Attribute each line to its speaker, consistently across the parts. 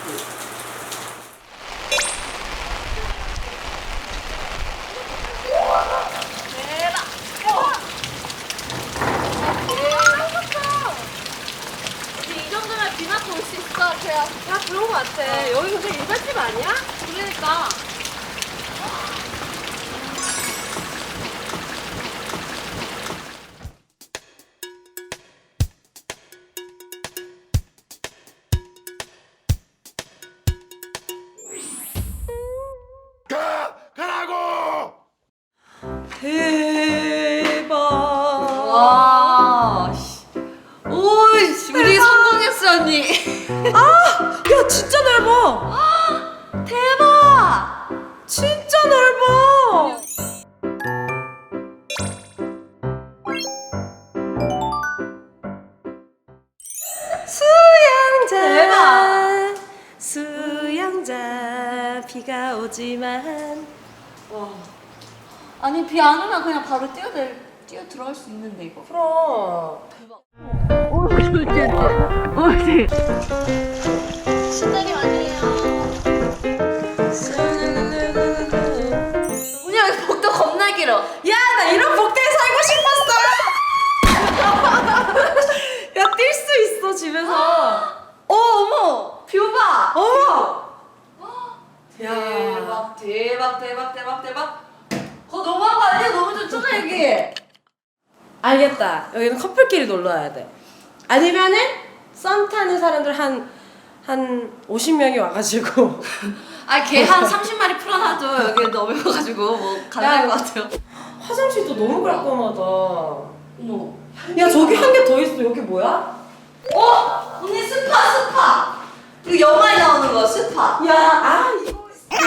Speaker 1: 야, 그런 거 같아. 여기 근데 일반집 아니야?
Speaker 2: 그러니까.
Speaker 3: 가라고!
Speaker 1: 대박.
Speaker 2: 와. 오이, 우리 성공했어, 언니.
Speaker 1: 야, 진짜 넓어.
Speaker 2: 대박.
Speaker 1: 진짜 넓어. 수영장. 수영장. 비가 오지만.
Speaker 2: 와. 아니, 비 안 오면 그냥 바로 뛰어 들어갈 수 있는데, 이거.
Speaker 1: 그럼.
Speaker 2: 신나게 아니에요. 언니, 여기 복도 겁나 길어.
Speaker 1: 야, 나 이런 복대에 살고 싶었어. 야, 뛸 수 있어 집에서.
Speaker 2: 어머! 뷰 봐!
Speaker 1: 어머.
Speaker 2: 대박, 대박, 대박, 대박, 대박. 그거 너무한 거 아니야? 너무 좋잖아, 여기.
Speaker 1: 알겠다. 여기는 커플끼리 놀러 와야 돼. 아니면은 썸 타는 사람들 한 50명이 와가지고.
Speaker 2: 아, 걔 한 30마리 풀어놔도 여기 넓어가지고 뭐 가능할 것 같아요.
Speaker 1: 화장실도 너무 깔끔하다.
Speaker 2: 어머.
Speaker 1: 야, 저기 한 개 더 있어. 여기 뭐야?
Speaker 2: 어? 언니 스파! 이거 영화에 나오는 거, 스파.
Speaker 1: 야, 이거.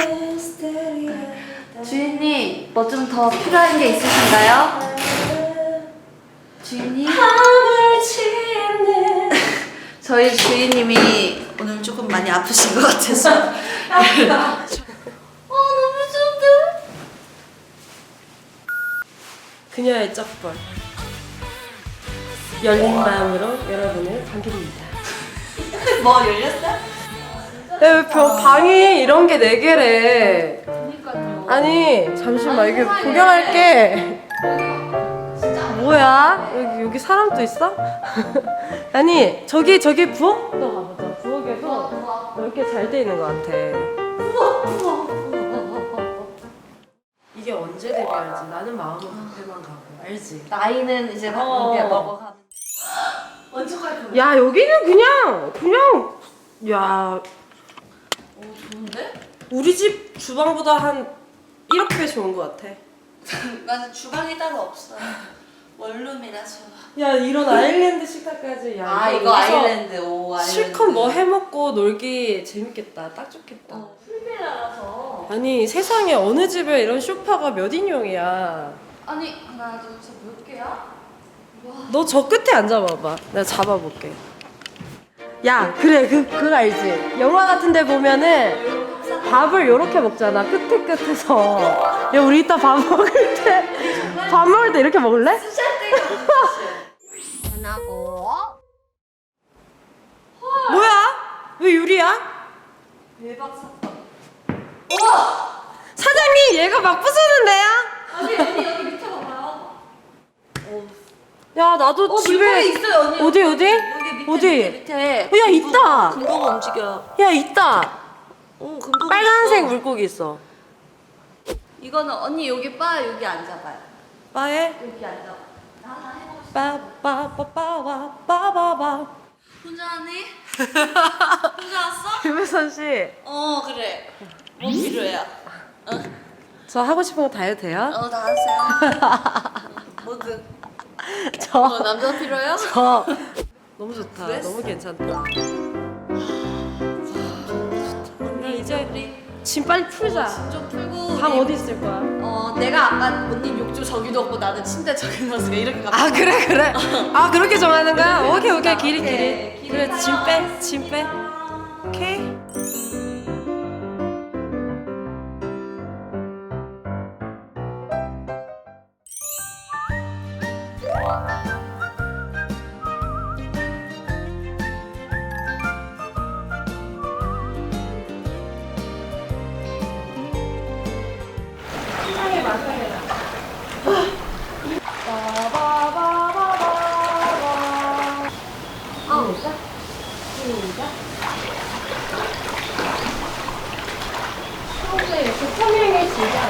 Speaker 2: 주인님, 뭐 좀 더 필요한 게 있으신가요? 주인님?
Speaker 1: 하늘 치는.
Speaker 2: 저희 주인님이 오늘 조금 많이 아프신 것 같아서. 너무 좋은데?
Speaker 1: 그녀의 쩍벌. 열린 마음으로 여러분을 반깁니다.
Speaker 2: 뭐 열렸어?
Speaker 1: 야, 왜 방이 이런 게 4개래.
Speaker 2: 그니까요.
Speaker 1: 아니, 잠시만. 여기 구경할게. 뭐야? 여기 사람도 있어? 아니, 저기 부엌도 가보자. 부엌에도 넓게 잘 돼 있는 것 같아. 이게 언제 데뷔할지 나는 마음은 뷔페만 가고. 알지?
Speaker 2: 나이는 이제 막
Speaker 1: 어.
Speaker 2: 먹어가는. 완전 깔끔해.
Speaker 1: 야, 여기는 그냥 야,
Speaker 2: 좋은데?
Speaker 1: 우리 집 주방보다 한 1억 배 좋은 것 같아.
Speaker 2: 맞아, 주방이 따로 없어. 원룸이라서.
Speaker 1: 야, 이런 아일랜드 식탁까지. 야,
Speaker 2: 아, 이거
Speaker 1: 여기서
Speaker 2: 아일랜드. 오, 아일랜드.
Speaker 1: 실컷 뭐 해먹고 놀기 재밌겠다. 딱 좋겠다.
Speaker 2: 풀빌라라서.
Speaker 1: 아니, 세상에 어느 집에 이런 소파가 몇 인용이야.
Speaker 2: 아니, 하나, 둘, 셋, 몇 개야?
Speaker 1: 너 저 끝에 앉아봐봐. 내가 잡아볼게. 야, 그래. 그거 알지? 영화 같은 데 보면은 밥을 요렇게 먹잖아. 끝에서. 야, 우리 이따 밥 먹을 때 이렇게 먹을래?
Speaker 2: 하나고.
Speaker 1: 뭐야? 왜 유리야?
Speaker 2: 대박 사건.
Speaker 1: 사장님, 얘가 막 부수는데요?
Speaker 2: 아니, 언니 여기 밑에 봐봐요.
Speaker 1: 야, 나도 집에
Speaker 2: 물건이 있어요, 언니.
Speaker 1: 어디?
Speaker 2: 여기 밑에,
Speaker 1: 어디?
Speaker 2: 밑에.
Speaker 1: 야, 있다.
Speaker 2: 금고가 움직여.
Speaker 1: 야, 있다.
Speaker 2: 금고가
Speaker 1: 빨간색
Speaker 2: 있어.
Speaker 1: 물고기 있어.
Speaker 2: 이거는 언니 여기 바 여기 앉아봐요.
Speaker 1: 바에
Speaker 2: 여기 앉아. 나 하나 해보고 싶어.
Speaker 1: 빠빠빠빠빠빠빠.
Speaker 2: 혼자 하니? 혼자 왔어?
Speaker 1: 김혜선 씨,
Speaker 2: 그래. 뭐 필요해요?
Speaker 1: 저 하고 싶은 거 다 해도 돼요?
Speaker 2: 다 하세요. 뭐든. 남자 필요해요?
Speaker 1: 저 너무 좋다.
Speaker 2: 그랬어?
Speaker 1: 너무 괜찮다. 언니 이제
Speaker 2: 우리
Speaker 1: 짐 빨리 풀자.
Speaker 2: 좀 풀고.
Speaker 1: 방
Speaker 2: 우리-
Speaker 1: 어디 있을 거야?
Speaker 2: 내가 아까 언니 욕조 저기 넣고 나는 침대 저기 넣었으니까 이렇게 가.
Speaker 1: 아, 그래. 아, 그렇게 정하는 거야? 오케이. 길이.
Speaker 2: 오케이.
Speaker 1: 그래, 짐 빼. 오케이. 타이밍이죠? 평소에 이렇게 평행해지지 않아요.